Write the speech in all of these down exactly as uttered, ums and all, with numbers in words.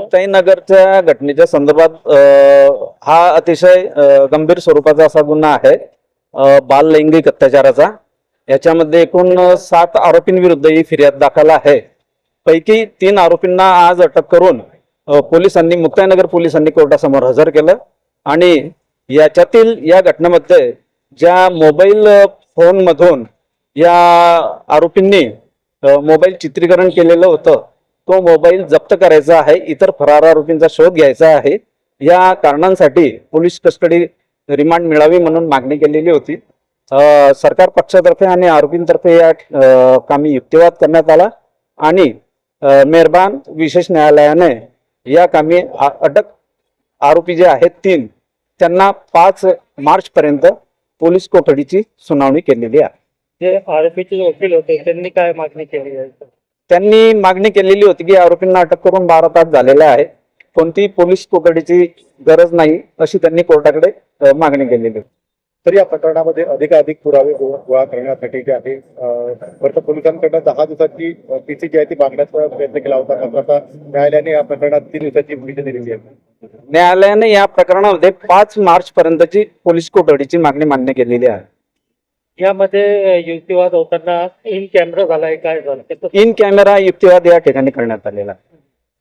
मुक्ताईनगरच्या घटनेच्या संदर्भात हा अतिशय गंभीर स्वरूपाचा असा गुन्हा आहे बाल लैंगिक अत्याचाराचा। याच्यामध्ये एकूण सात आरोपींविरुद्ध ही फिर्याद दाखल आहे। पैकी तीन आरोपींना आज अटक करून पोलिसांनी मुक्ताईनगर पोलिसांनी कोर्टासमोर हजर केलं आणि याच्यातील या घटनेमध्ये ज्या मोबाईल फोन मधून या आरोपींनी मोबाईल चित्रीकरण केलेलं होतं तो मोबाईल जप्त करायचा आहे, इतर फरार आरोपींचा शोध घ्यायचा आहे। या कारणांसाठी पोलीस कस्टडी रिमांड मिळावी म्हणून मागणी केलेली होती। सरकार पक्षातर्फे आणि आरोपींतर्फे या कामी युक्तिवाद करण्यात आला आणि मेहरबान विशेष न्यायालयाने या कामी अटक आरोपी जे आहेत तीन त्यांना पाच मार्च पर्यंत पोलीस कोठडीची सुनावणी केलेली आहे। जे आरोपीचे वकील होते त्यांनी काय मागणी केली आहे? त्यांनी मागणी केलेली होती की आरोपींना अटक करून बारा तास झालेले आहे, कोणती पोलीस कोठडीची गरज नाही अशी त्यांनी कोर्टाकडे मागणी केलेली होती। तर या प्रकरणामध्ये अधिकाधिक पुरावे गोळा करण्यासाठी जे आहे वर्तमान पोलिसांकडून दहा दिवसाची पीसी जी आहे ती मागण्याचा प्रयत्न केला होता, मात्र आता न्यायालयाने या प्रकरणात तीन दिवसाची मुदत दिलेली आहे। न्यायालयाने या प्रकरणामध्ये पाच मार्च पर्यंतची पोलीस कोठडीची मागणी मान्य केलेली आहे। यामध्ये युक्तिवाद होताना इन कॅमेरा झालाय, काय झालं? इन कॅमेरा युक्तिवाद या ठिकाणी करण्यात आलेला आहे।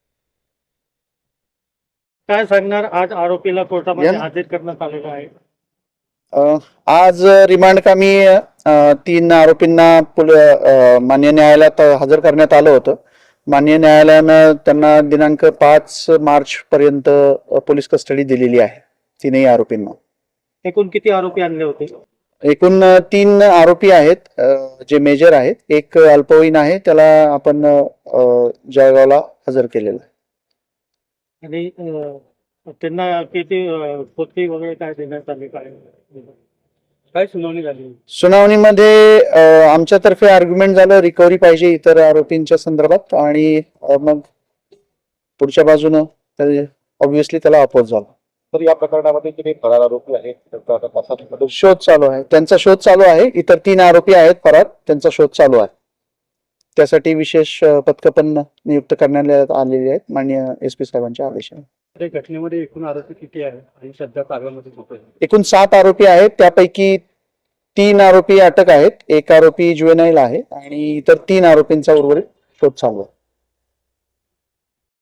काय सांगणार? आज आरोपीला कोर्टामध्ये हजर करण्यात आलेलं आहे। आज रिमांड कामी तीन आरोपींना मान्य न्यायालयात हजर करण्यात आलं होतं। मान्य न्यायालयानं त्यांना दिनांक पाच मार्च पर्यंत पोलीस कस्टडी दिलेली आहे तीनही आरोपींना। एकूण किती आरोपी आणले होते? एकूण तीन आरोपी आहेत जे मेजर आहेत, एक अल्पवयीन आहे त्याला आपण जळगावला हजर केलेलं आहे। आणि त्यांना किती पोथी वगैरे काय देण्यात आली, काय काय सुनावणी झाली? सुनावणीमध्ये आमच्यातर्फे आर्ग्युमेंट झालं रिकव्हरी पाहिजे इतर आरोपींच्या संदर्भात आणि मग पुढच्या बाजूनं ऑब्व्हियसली त्याला अपोज झाला। तर या प्रकरणामध्ये जे फरार आरोपी आहेत शोध चालू आहे, त्यांचा शोध चालू आहे। इतर तीन आरोपी आहेत फरार, त्यांचा शोध चालू आहे। त्यासाठी विशेष पथकं पण नियुक्त करण्यात आलेली आहेत माननीय एस पी साहेबांच्या आदेशाने। घटनेमध्ये एकूण आरोपी किती आहेत आणि सध्या कारवाईमध्ये? एकूण सात आरोपी आहेत, त्यापैकी तीन आरोपी अटक आहेत, एक आरोपी ज्युएनाईल आहे आणि इतर तीन आरोपींचा उर्वरित शोध चालू आहे।